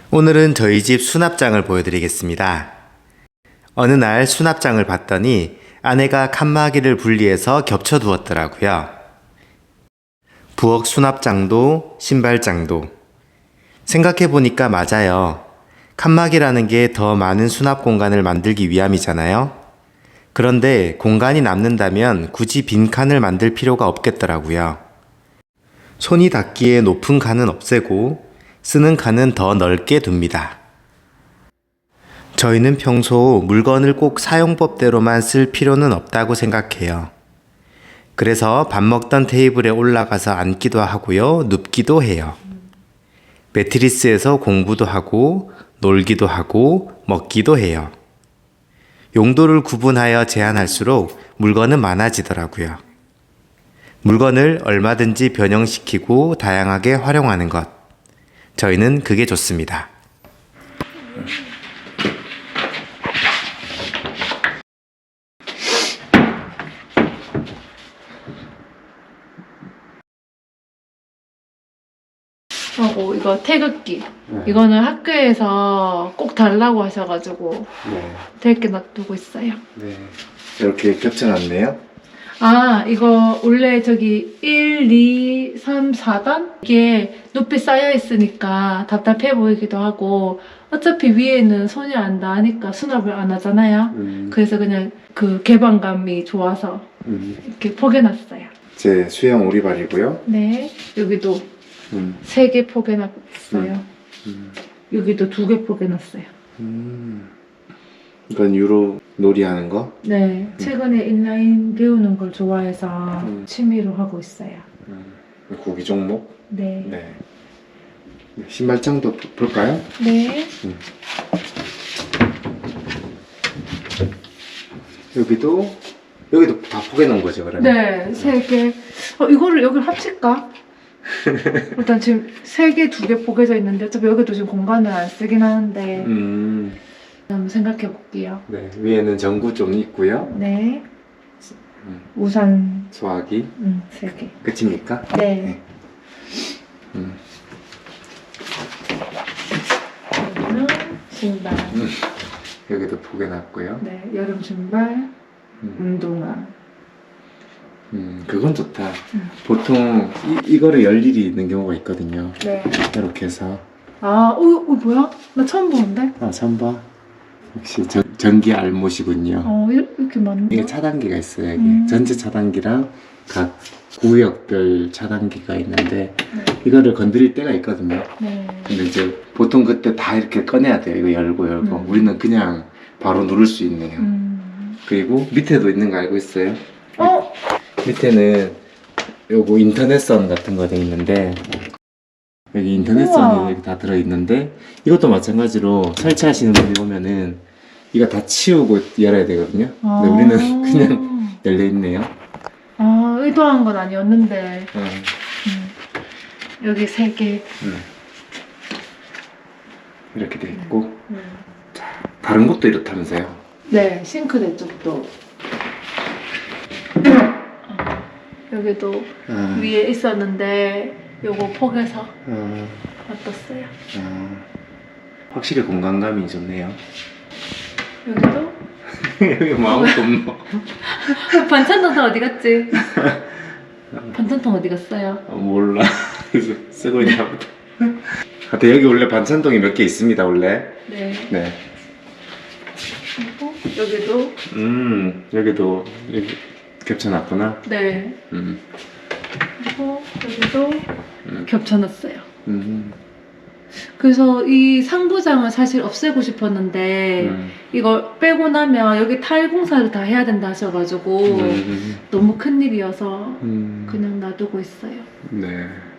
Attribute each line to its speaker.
Speaker 1: 오늘은 저희 집 수납장을 보여드리겠습니다. 어느 날 수납장을 봤더니 아내가 칸막이를 분리해서 겹쳐 두었더라고요. 부엌 수납장도 신발장도. 생각해보니까 맞아요. 칸막이라는 게 더 많은 수납 공간을 만들기 위함이잖아요. 그런데 공간이 남는다면 굳이 빈 칸을 만들 필요가 없겠더라고요. 손이 닿기에 높은 칸은 없애고 쓰는 칸은 더 넓게 둡니다. 저희는 평소 물건을 꼭 사용법대로만 쓸 필요는 없다고 생각해요. 그래서 밥 먹던 테이블에 올라가서 앉기도 하고요, 눕기도 해요. 매트리스에서 공부도 하고, 놀기도 하고, 먹기도 해요. 용도를 구분하여 제한할수록 물건은 많아지더라고요. 물건을 얼마든지 변형시키고 다양하게 활용하는 것. 저희는 그게 좋습니다.
Speaker 2: 하고 이거 태극기. 이거는 학교에서 꼭 달라고 하셔가지고 되게 놔두고 있어요.
Speaker 1: 네. 이렇게 겹쳐놨네요.
Speaker 2: 아, 이거 원래 저기 1, 2, 3, 4단? 이게 높이 쌓여 있으니까 답답해 보이기도 하고 어차피 위에는 손이 안 닿으니까 수납을 안 하잖아요. 그래서 그냥 그 개방감이 좋아서 이렇게 포개놨어요.
Speaker 1: 제 수영 오리발이고요.
Speaker 2: 네, 여기도 3개 포개놨어요. 여기도 2개 포개놨어요.
Speaker 1: 이건 유로 놀이하는 거?
Speaker 2: 네, 최근에 인라인 배우는 걸 좋아해서 취미로 하고 있어요.
Speaker 1: 구기 종목?
Speaker 2: 네.
Speaker 1: 네. 신발장도 볼까요?
Speaker 2: 네.
Speaker 1: 여기도 다 포개놓은 거죠, 그러면?
Speaker 2: 네, 3개. 이거를 여기 합칠까? 일단 지금 3개, 2개 포개져 있는데 어차피 여기도 지금 공간을 안 쓰긴 하는데 한번 생각해 볼게요.
Speaker 1: 네, 위에는 전구 좀 있고요.
Speaker 2: 네. 우산
Speaker 1: 소화기
Speaker 2: 3개.
Speaker 1: 끝입니까?
Speaker 2: 네. 여기는 신발.
Speaker 1: 여기도 포개놨고요.
Speaker 2: 네, 여름 신발, 운동화.
Speaker 1: 그건 좋다. 보통 이거를 열 일이 있는 경우가 있거든요.
Speaker 2: 네.
Speaker 1: 이렇게 해서.
Speaker 2: 아, 뭐야? 나 처음 보는데?
Speaker 1: 아, 선바. 역시 전기 알못이군요.
Speaker 2: 이렇게 많네.
Speaker 1: 이게 차단기가 있어요. 여기 전체 차단기랑 각 구역별 차단기가 있는데 이거를 건드릴 때가 있거든요.
Speaker 2: 네.
Speaker 1: 근데 이제 보통 그때 다 이렇게 꺼내야 돼요. 이거 열고 우리는 그냥 바로 누를 수 있네요. 그리고 밑에도 있는 거 알고 있어요? 밑에는 요거 인터넷선 같은 거 돼 있는데 여기 인터넷선이 여기 다 들어있는데 이것도 마찬가지로 설치하시는 분이 보면은 이거 다 치우고 열어야 되거든요. 근데 우리는 그냥 열려있네요.
Speaker 2: 의도한 건 아니었는데. 여기 3개.
Speaker 1: 이렇게 돼 있고 자, 다른 곳도 이렇다면서요?
Speaker 2: 네, 싱크대 쪽도. 여기도 위에 있었는데 요거 포개서 놔뒀어요.
Speaker 1: 확실히 공간감이 좋네요.
Speaker 2: 여기도?
Speaker 1: 여기 뭐 아무것도 없노?
Speaker 2: 반찬통 어디 갔지? 반찬통 어디 갔어요?
Speaker 1: 몰라. 쓰고 있나 보다. 하여튼 여기 원래 반찬통이 몇 개 있습니다, 원래.
Speaker 2: 네.
Speaker 1: 네.
Speaker 2: 그리고 여기도?
Speaker 1: 여기도 여기 겹쳐놨구나.
Speaker 2: 네. 그리고 여기도 겹쳐놨어요. 그래서 이 상부장을 사실 없애고 싶었는데 이걸 빼고 나면 여기 타일 공사를 다 해야 된다 하셔가지고 너무 큰일이어서 그냥 놔두고 있어요.
Speaker 1: 네.